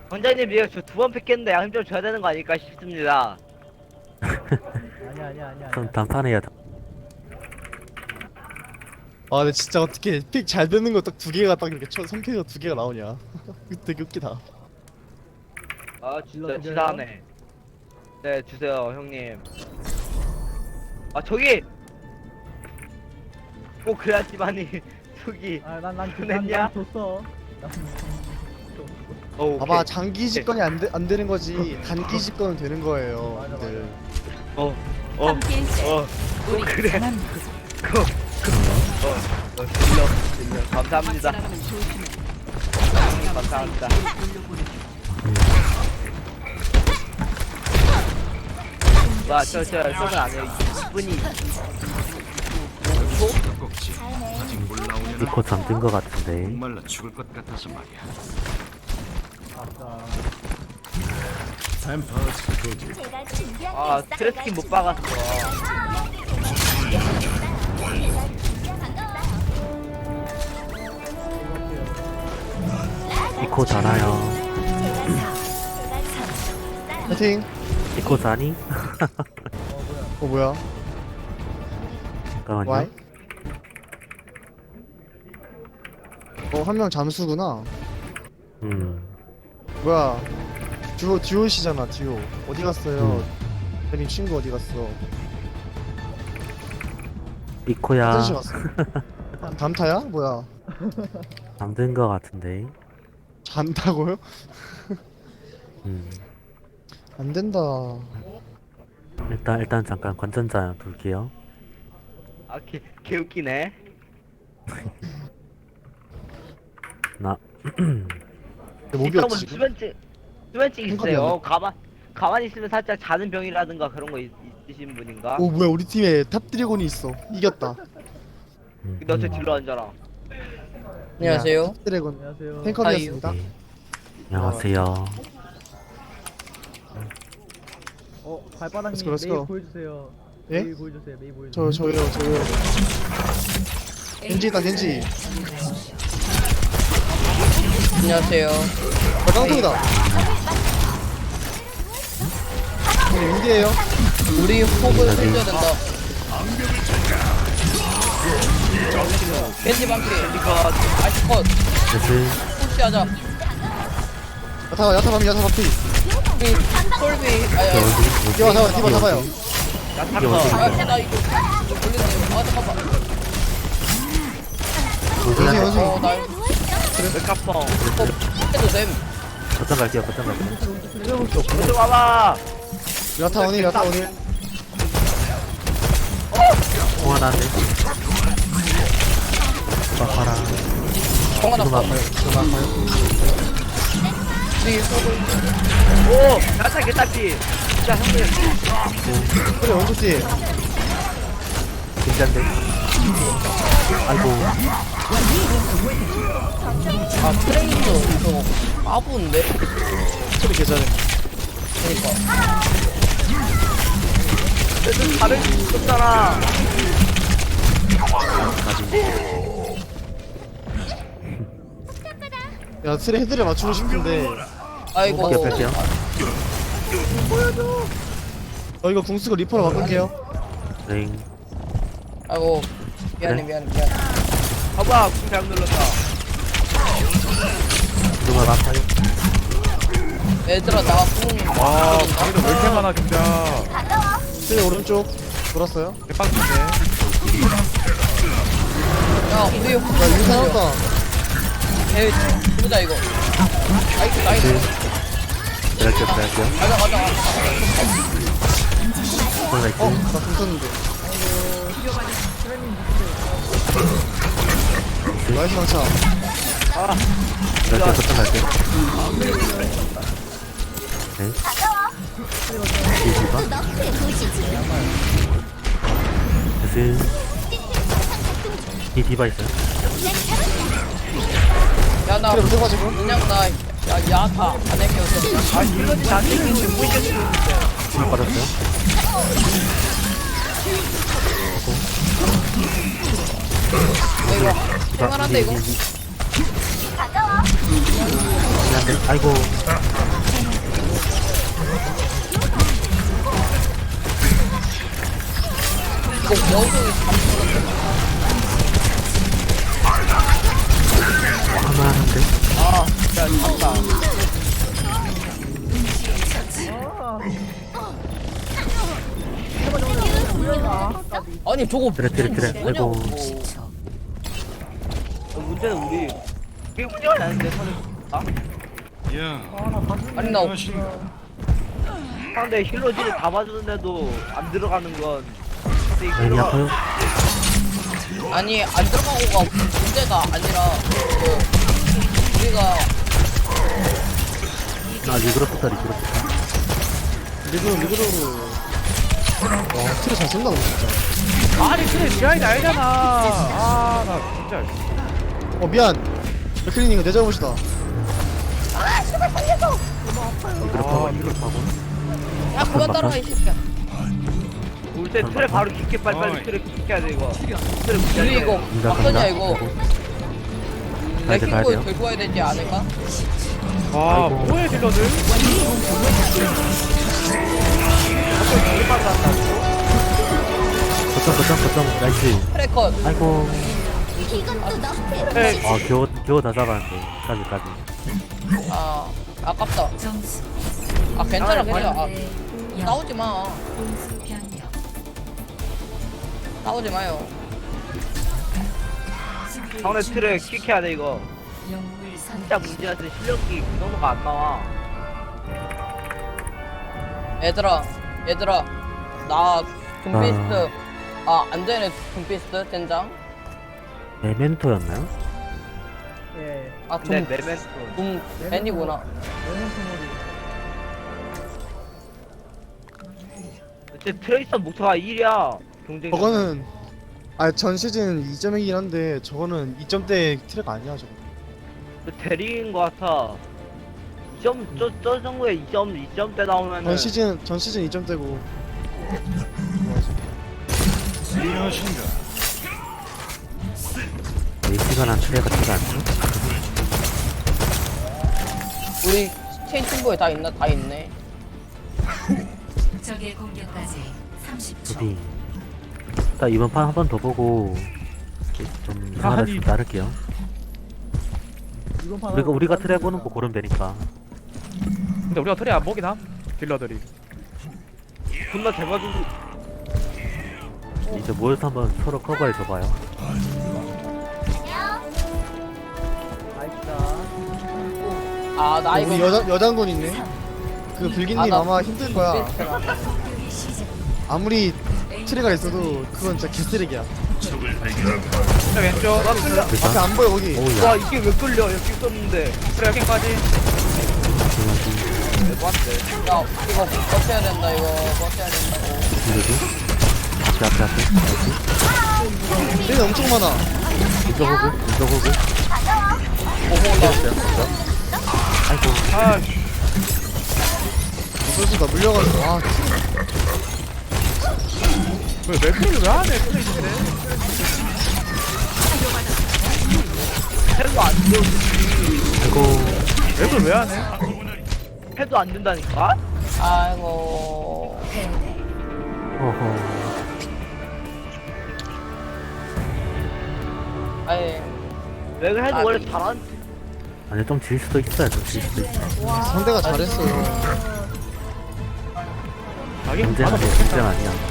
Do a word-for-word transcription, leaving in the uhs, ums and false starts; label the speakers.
Speaker 1: 왕자님 이거 저 두 번 뺏겼는데 양 좀 줘야 되는 거 아닐까 싶습니다.
Speaker 2: 아니야 아니야 아니야.
Speaker 3: 그럼 단판해야 돼.
Speaker 4: 아 근데 진짜 어떻게 픽 잘 되는 거 딱 두 개가 딱 이렇게 쳐 선택가 두 개가 나오냐. 되게 웃기다.
Speaker 1: 아 진짜
Speaker 2: 질러
Speaker 1: 치사하네. 네 주세요 형님. 아 저기 꼭 그래야지만이 저기
Speaker 2: 아난난
Speaker 1: 보냈냐?
Speaker 2: 난 줬어. 난
Speaker 1: 어
Speaker 4: 봐봐 장기 집권이 안, 되, 안 되는 거지 단기 집권은 되는 거예요.
Speaker 2: 맞아, 맞아.
Speaker 4: 근데
Speaker 1: 어어어
Speaker 5: 함께일세.
Speaker 1: 어,
Speaker 5: 우리
Speaker 1: 그래.
Speaker 5: 강한
Speaker 1: 그, 그, 어, 어, 질러, 질러. 감사합니다.
Speaker 5: 박살나가면 조심해.
Speaker 1: 형님, 감사합니다. 와, 저, 저, 저건 안 해요. 이 분이.
Speaker 3: 니코 잠든 거 같은데.
Speaker 6: 목말라 죽을 것 같아서 말이야.
Speaker 2: 아싸.
Speaker 1: 아, 트래스킨 못 박았어.
Speaker 3: 니코 자나요.
Speaker 4: 파이팅.
Speaker 3: 니코 자니?
Speaker 4: 어 뭐야?
Speaker 3: 잠깐만요.
Speaker 4: 와이? 어한 명 잠수구나.
Speaker 3: 음.
Speaker 4: 뭐야? 듀오 듀오시잖아 듀오. 어디 갔어요? 대님 친구 어디 갔어?
Speaker 3: 니코야.
Speaker 4: 화장실 갔어. 담타야? 뭐야?
Speaker 3: 잠든 거 같은데.
Speaker 4: 잔다고요?
Speaker 3: 음.
Speaker 4: 안 된다.
Speaker 3: 일단 일단 잠깐 관전자 돌게요.
Speaker 1: 아, 개, 개 웃기네.
Speaker 3: 나
Speaker 4: 목이
Speaker 1: 일단 뭐
Speaker 4: 없지 지금?
Speaker 1: 수면증, 수면증
Speaker 4: 생각이
Speaker 1: 있어요. 가만, 가만히 있으면 살짝 자는 병이라든가 그런 거 있, 있으신 분인가?
Speaker 4: 오 뭐야 우리 팀에 탑 드래곤이 있어. 이겼다.
Speaker 3: 음,
Speaker 1: 근데 어째
Speaker 3: 음.
Speaker 1: 딜러 앉아라.
Speaker 7: 안녕하세요.
Speaker 4: 탑 드래곤
Speaker 2: 안녕하세요.
Speaker 4: 탱커이었습니다.
Speaker 3: 네. 안녕하세요.
Speaker 2: 어 발바닥님
Speaker 4: Let's go, let's
Speaker 2: 메이
Speaker 4: go.
Speaker 2: 보여주세요.
Speaker 4: 예?
Speaker 2: 메이 보여주세요. 메이 보여주세요.
Speaker 4: 저 저요 저요. 겐지다 겐지.
Speaker 7: 안녕하세요.
Speaker 4: 아 깡통이다. 네, 인디에요.
Speaker 7: 우리 호흡을 해줘야 된다. 겐지 방피.
Speaker 1: 이거
Speaker 7: 아이스 컷.
Speaker 3: 슬슬
Speaker 7: 푸시하자.
Speaker 4: 야타 야타 밤이 야타 밤피.
Speaker 7: 이 솔비. 아야.
Speaker 4: 디바 잡아 디바 잡아요.
Speaker 1: 야타커.
Speaker 7: 아, 나 이거 걸렸네. 아, 잠깐만.
Speaker 4: 원숭이
Speaker 7: 어,
Speaker 4: 원숭이.
Speaker 7: 나
Speaker 1: 메카펑.
Speaker 7: 해도 됨.
Speaker 3: 거점 갈게요. 거점 갈게요.
Speaker 1: 어서 와봐.
Speaker 4: 야타 원일 야타 원일.
Speaker 3: 통화나네. 봐라.
Speaker 7: 정 하나
Speaker 3: 지금
Speaker 7: 컷.
Speaker 3: 아파요. 지금 아파요.
Speaker 7: 우리 호흡을.
Speaker 1: 오, 야타 개딱지. 진짜 형님.
Speaker 4: 그래 원투티.
Speaker 3: 긴장돼. 아이고.
Speaker 7: 아, 트레이서 저거 까부인데?
Speaker 4: 그래 계좌네.
Speaker 7: 그니까.
Speaker 1: 좀 다른 게 있었잖아.
Speaker 4: 야 트레 헤드를 맞추고 싶은데.
Speaker 7: 아이고.
Speaker 3: 어깨 뺄게요.
Speaker 4: 저 이거 궁수고 리퍼로 바꿀게요.
Speaker 3: 네.
Speaker 7: 아이고. 미안해, 미안해, 미안해.
Speaker 1: 봐봐, 궁 잘못 눌렀다.
Speaker 3: 누가 아파요?
Speaker 7: 얘들아, 나 뿡.
Speaker 8: 와, 방위도 왜 이렇게 많아, 진짜.
Speaker 4: 트레 오른쪽 돌았어요.
Speaker 8: 대빵인데.
Speaker 7: 야, 우리 호흡.
Speaker 4: 야 이거 살았다.
Speaker 7: 에이, 보자, 이거. 나이스, 나이스.
Speaker 3: 들어갈게요. 들어갈게요.
Speaker 7: 가자, 가자.
Speaker 3: 거점 갈게요.
Speaker 4: 어나궁 썼는데. 나이스 방차.
Speaker 3: 들어갈게요. 거점 갈게요. 네. 뒤에 디바. 슬슬. 이 디바 있어요.
Speaker 7: 야, 나.
Speaker 4: 트레 붙어가지고.
Speaker 7: 그냥 나. 야, 야타. 안 할게, 없어.
Speaker 1: 아, 이건 잘생긴 좀 보이겠어.
Speaker 3: 힘 빠졌어요.
Speaker 7: 이거. 생활한데, 이거.
Speaker 3: 그냥 한대. 아이고.
Speaker 7: 이거 원숭이
Speaker 3: 하나 한대.
Speaker 7: 아 진짜 참다. 아니 저거
Speaker 3: 트레 트레 트레. 아이고.
Speaker 1: 어, 문제는 우리 이게 문제가 나는데 선을 아?
Speaker 6: 야,
Speaker 7: 아니 나
Speaker 1: 상대 힐러진을 다 봐주는데도 안 들어가는 건 근데 이
Speaker 3: 라인이
Speaker 1: 힐러가
Speaker 3: 아파요?
Speaker 7: 아니 안 들어가고가 문제가 아니라 그 우리가
Speaker 3: 아 리그로프다 리그로프다.
Speaker 4: 리그로 리그로로. 와 트레 잘 쓴다 너 진짜.
Speaker 8: 아니 그래 지하인 알잖아. 아 나 진짜.
Speaker 4: 어 미안. 백클린 이거 내 잘못이다.
Speaker 3: 리그로프하고 리그로프하고.
Speaker 7: 야 그만 따라가 이 새끼야.
Speaker 1: 올때 틀에 바로 깊게 빨리빨리 틀에 깊게 해야 돼 이거 틀에 깊게
Speaker 7: 우리
Speaker 1: 해야
Speaker 7: 이거
Speaker 1: 돼
Speaker 3: 인자
Speaker 7: 어떠냐
Speaker 3: 간다.
Speaker 7: 이거
Speaker 3: 가야 돼, 가야
Speaker 7: 레킹볼
Speaker 3: 돼요.
Speaker 7: 들고 와야 되지 않을까?
Speaker 8: 와
Speaker 3: 아이고.
Speaker 8: 뭐해 딜러들?
Speaker 3: 거점 거점 거점 나이스.
Speaker 7: 트래컷
Speaker 3: 아이고.
Speaker 8: 네.
Speaker 3: 아 겨우 겨우 다 잡았는데. 까지 까지.
Speaker 7: 아 아깝다.
Speaker 5: 점수
Speaker 7: 아 괜찮아
Speaker 1: 아,
Speaker 7: 괜찮아. 아,
Speaker 5: 네, 영.
Speaker 7: 싸우지 마.
Speaker 5: 공수 변경.
Speaker 7: 싸우지 마요.
Speaker 1: 상대 틀에 킥해야 돼 이거
Speaker 5: 영물
Speaker 1: 진짜 문제야 돼 실력이 그 정도가 안 나와
Speaker 7: 얘들아 얘들아 나 둠피스트 아 안되네 둠피스트 젠장
Speaker 3: 메멘토였나요?
Speaker 2: 예.
Speaker 1: 근데
Speaker 7: 아둠
Speaker 1: 메멘토
Speaker 7: 둠 벤이구나.
Speaker 1: 어째 트레이서 목표가 일이야 경쟁
Speaker 4: 저거는 아 전 시즌 이 점이긴 한데 저거는 이 점대 트레가 아니야 저거.
Speaker 1: 대리인 거 같아 이 점, 저, 저 정도에 이 점, 이 점대 나오면은
Speaker 4: 전 시즌 전 시즌 이 점대고.
Speaker 6: 안녕하신가?
Speaker 3: 에이티가 난 트레 같지가 않죠?
Speaker 7: 우리 체인 팀보에 다 있나? 다 있네.
Speaker 5: 적의 공격까지 삼십 초.
Speaker 3: 어디? 딱 이번 판 한 번 더 보고 좀 이상하다 좀 따를게요. 우리가 우리가 트레 보는 거 고르면 되니까.
Speaker 8: 근데 우리가 트레 안 보긴 함. 딜러들이.
Speaker 1: 존나 잘 봐주고
Speaker 3: 이제 모여서 한번 서로 커버해 줘봐요.
Speaker 7: 아 나 이거
Speaker 4: 우리 여자 여장군 있네. 그 불기님
Speaker 7: 아, 나
Speaker 4: 아마 힘들 거야.
Speaker 7: 둠피스트라.
Speaker 4: 아무리 트레가 있어도 그건 진짜 개쓰레기야.
Speaker 8: 트레 왼쪽.
Speaker 4: 앞에
Speaker 3: 일단
Speaker 4: 안 보여 거기.
Speaker 1: 와
Speaker 3: 오우야.
Speaker 1: 이게 왜 끌려 여기 있었는데
Speaker 8: 트레 여기까지.
Speaker 1: 대박인데
Speaker 7: 야 이거 버텨야 된다 이거 버텨야 된다고.
Speaker 3: 이거지? 앞에 앞에 앞에. 나이스.
Speaker 4: 트레가 엄청 많아.
Speaker 3: 이쪽 호구 이쪽 호구.
Speaker 7: 오호 나
Speaker 3: 아이고.
Speaker 8: 아
Speaker 4: 무슨 나 물려가지고 아
Speaker 8: 왜 맥주를 왜 하네 트레 트레.
Speaker 1: 해도 안 돼.
Speaker 3: 아이고.
Speaker 8: 맥을 왜 하네?
Speaker 1: 해도 안 된다니까?
Speaker 7: 아이고
Speaker 3: 어허.
Speaker 7: 아이
Speaker 1: 맥을 해도
Speaker 7: 아,
Speaker 1: 원래
Speaker 7: 그-
Speaker 1: 잘한
Speaker 3: 아니 좀 질 수도 있어요. 좀 질 수도 있어.
Speaker 4: 상대가 잘했어요.
Speaker 8: 자기
Speaker 3: 경쟁 아니야. 경쟁 아니야.